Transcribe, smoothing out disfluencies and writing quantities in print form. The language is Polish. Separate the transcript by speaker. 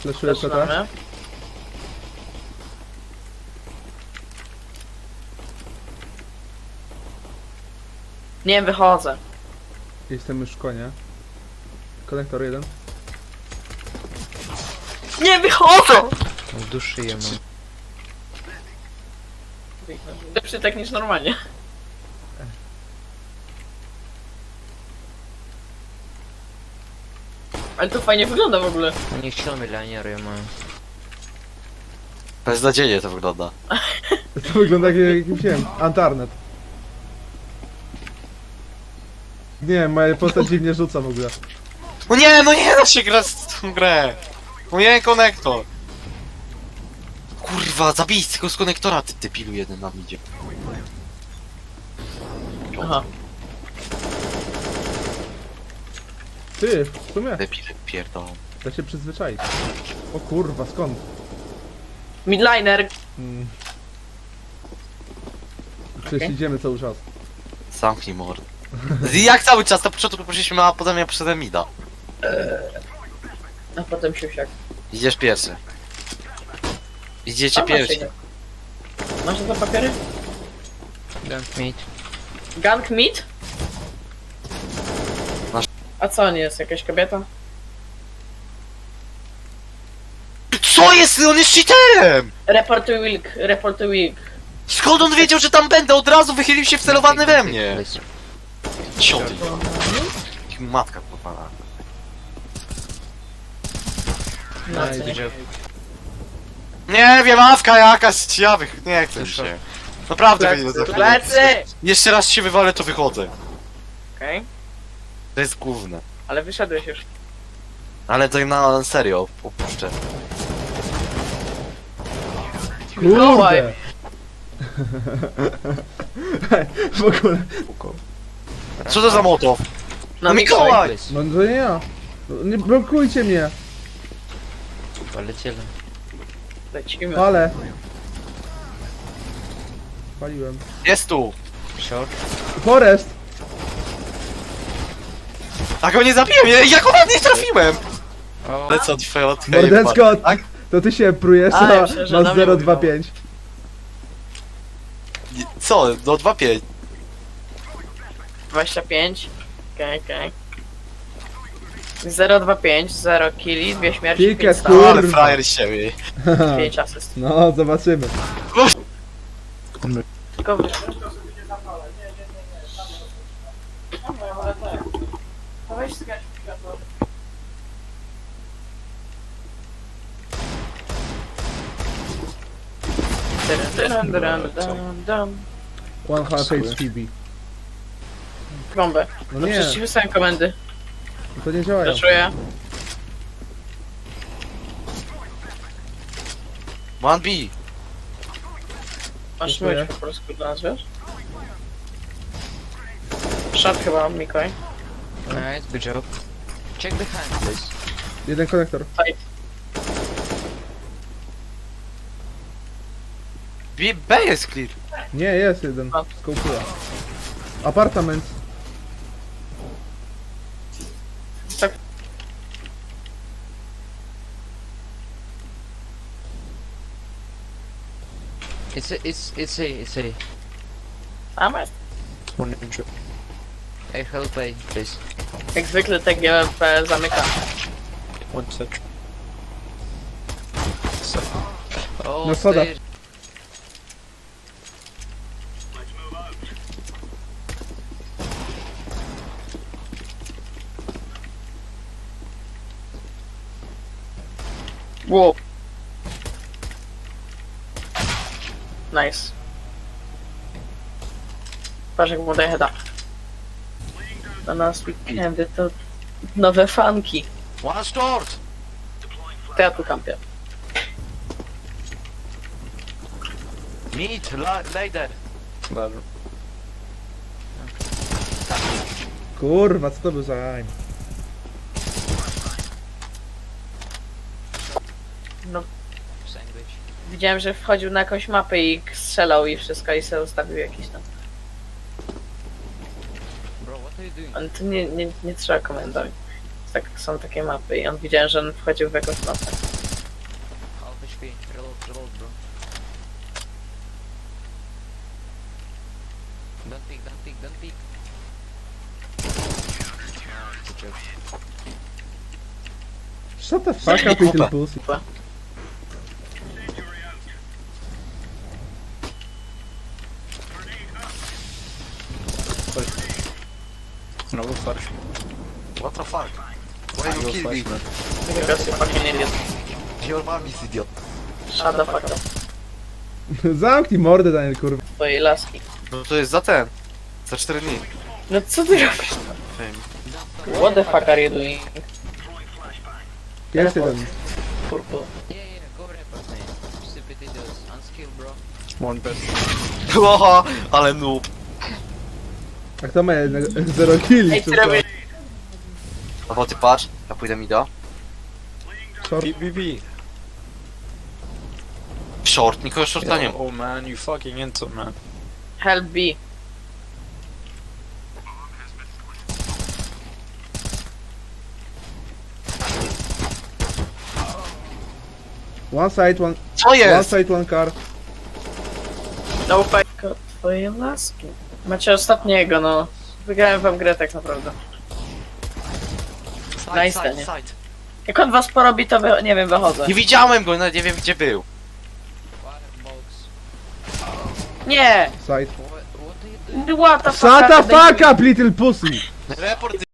Speaker 1: Fleszuję CT.
Speaker 2: Zaczynamy. Nie, wychodzę.
Speaker 1: Jestem już w konie. Konektor jeden.
Speaker 2: Nie, wychodzę!
Speaker 3: W duszy je mam.
Speaker 2: Lepszy tak niż normalnie. Ale to fajnie wygląda w ogóle.
Speaker 3: У них чё миллионеры я маю?
Speaker 4: Beznadziejnie to wygląda.
Speaker 1: To wygląda jak jakimś, nie wiem, Antarnet. Nie, moja postać dziwnie rzuca w ogóle.
Speaker 4: No nie, no nie da się grać w tą grę. No nie, konektor. Kurwa, zabij z tego z konektora, ty debilu jeden nam idzie.
Speaker 2: Aha.
Speaker 1: Ty, w sumie,
Speaker 4: Debile pierdolą.
Speaker 1: da się przyzwyczaić. O kurwa, skąd?
Speaker 2: Midliner.
Speaker 1: Hmm. Przecież idziemy cały czas.
Speaker 4: Zamknij mord. Jak cały czas, na początku poszliśmy, a potem ja przyszedłem mida.
Speaker 2: A potem siusiak.
Speaker 4: Idziesz pierwszy. Idziecie
Speaker 2: A,
Speaker 4: pierwsi.
Speaker 2: Masz na to papiery?
Speaker 3: Gank mid.
Speaker 2: Gank meat?
Speaker 4: Masz.
Speaker 2: A co on jest? Jakaś kobieta?
Speaker 4: Co jest? On jest cheaterem!
Speaker 2: Reportuj wilk, reportuj wilk.
Speaker 4: Skąd on wiedział, że tam będę? Od razu wychylił się wcelowany we mnie. Cioty. Matka popala.
Speaker 2: No,
Speaker 1: Nice.
Speaker 2: co nie?
Speaker 4: Nie wiem, awka jakaś, nie chcę się. Naprawdę mnie nie
Speaker 2: Plecy,
Speaker 4: zachęcać.
Speaker 2: plecy!
Speaker 4: Jeszcze raz się wywalę, to wychodzę.
Speaker 2: Okej,
Speaker 4: To jest główne.
Speaker 2: ale wyszedłeś już.
Speaker 4: Ale to na serio, opuszczę.
Speaker 2: Mikołaj!
Speaker 1: Kurde! W ogóle.
Speaker 4: Co to za motow?
Speaker 2: No
Speaker 4: Mikołaj!
Speaker 1: No to nie ja. No, nie blokujcie mnie.
Speaker 3: Полетели.
Speaker 2: Lecimy.
Speaker 1: Ale. Paliłem.
Speaker 4: Jest tu!
Speaker 3: Short.
Speaker 1: Forest!
Speaker 4: A go nie zabiłem, jak on nie trafiłem!
Speaker 3: О,
Speaker 4: Ale co, twoja od
Speaker 1: Mordecko,
Speaker 4: tak?
Speaker 1: to ty się prujesz,
Speaker 2: A, ja
Speaker 1: a
Speaker 2: myślę, że
Speaker 1: masz
Speaker 2: na mnie
Speaker 1: 025.
Speaker 4: Co? Do 2-5.
Speaker 2: 25. Okej. 025, 0 killi, 2 śmierci,
Speaker 1: Ticket,
Speaker 2: 5
Speaker 1: kur-
Speaker 2: stał,
Speaker 4: Ale frajer z siebie.
Speaker 2: 5 asyst.
Speaker 1: No, zobaczymy.
Speaker 2: Tylko wy...
Speaker 1: One half HPB.
Speaker 2: Bombę.
Speaker 1: No
Speaker 2: No
Speaker 1: nie,
Speaker 2: przecież ci wysłałem komendy.
Speaker 1: to nie działają.
Speaker 2: Raszuję.
Speaker 4: 1B.
Speaker 2: Masz
Speaker 1: Dziękuję.
Speaker 2: myć po polsku dla nas, wiesz? Shot chyba, Mikołaj.
Speaker 3: nice, good job. Check behind, please.
Speaker 1: Jeden konektor.
Speaker 2: Fight.
Speaker 4: B jest clear.
Speaker 1: Nie, jest jeden.
Speaker 2: A.
Speaker 1: Skołkuję. Apartament.
Speaker 2: Tak.
Speaker 3: It's A.
Speaker 2: Tam jest.
Speaker 3: One injured. Hey, help A, please.
Speaker 2: Jak zwykle TGP zamyka.
Speaker 3: One set. Oh,
Speaker 1: No soda.
Speaker 3: stairs.
Speaker 2: Wow. Nice. Patrz jak mu daje heada. Na nas weekendy to nowe fanki.
Speaker 4: One short!
Speaker 2: To ja tu kampię.
Speaker 4: Meet, later.
Speaker 1: Kurwa, co to był za aim?
Speaker 2: No,
Speaker 3: Sandwich.
Speaker 2: widziałem, że wchodził na jakąś mapę i strzelał i wszystko i sobie ustawił jakiś tam.
Speaker 3: Bro, what are you doing?
Speaker 2: Ale to nie trzeba komentować. Tak, są takie mapy i on widziałem, że on wchodził w jakąś mapę.
Speaker 3: HP. Reload, bro. Don't peek. Good job.
Speaker 1: Shut the fuck up, little pussy.
Speaker 5: No go first.
Speaker 4: What the fuck? Why you kill me?
Speaker 2: Because you fucking idiot.
Speaker 4: Your mom is idiot.
Speaker 2: Shut the fuck up.
Speaker 1: Zamknij mordę, Daniel, kurwa.
Speaker 2: Twojej laski.
Speaker 4: No to jest za ten. Za 4 dni.
Speaker 2: No co ty robisz?
Speaker 4: Fame.
Speaker 2: What the fuck are you doing?
Speaker 1: Jest jeden.
Speaker 2: Purple.
Speaker 3: Yeah, go report, man. Stupid idiots. Unskilled, bro.
Speaker 5: One bed.
Speaker 4: Oha, ale noob.
Speaker 1: A kto ma jednego? Zero killi,
Speaker 2: Ej,
Speaker 1: czy
Speaker 2: ty
Speaker 1: co?
Speaker 2: robisz...
Speaker 4: No bo ty patrz, ja pójdę mi do.
Speaker 1: Short.
Speaker 5: BBB.
Speaker 4: Short, nikogo shorta nie ma.
Speaker 5: Oh man, you fucking into man.
Speaker 2: Help B.
Speaker 1: One side, one
Speaker 4: Co jest?
Speaker 1: side, one car.
Speaker 2: No fight. Twojej laski. Macie ostatniego, no. Wygrałem wam grę tak naprawdę. Nice, nie? Jak on was porobi, to nie wiem, wychodzę.
Speaker 4: Nie widziałem go, nawet nie wiem gdzie był.
Speaker 3: Firebox.
Speaker 2: Nie!
Speaker 1: Side.
Speaker 3: What are you doing?
Speaker 2: What the fuck?
Speaker 1: Shut
Speaker 2: are
Speaker 1: the
Speaker 2: they
Speaker 1: fuck up, little pussy!
Speaker 4: Report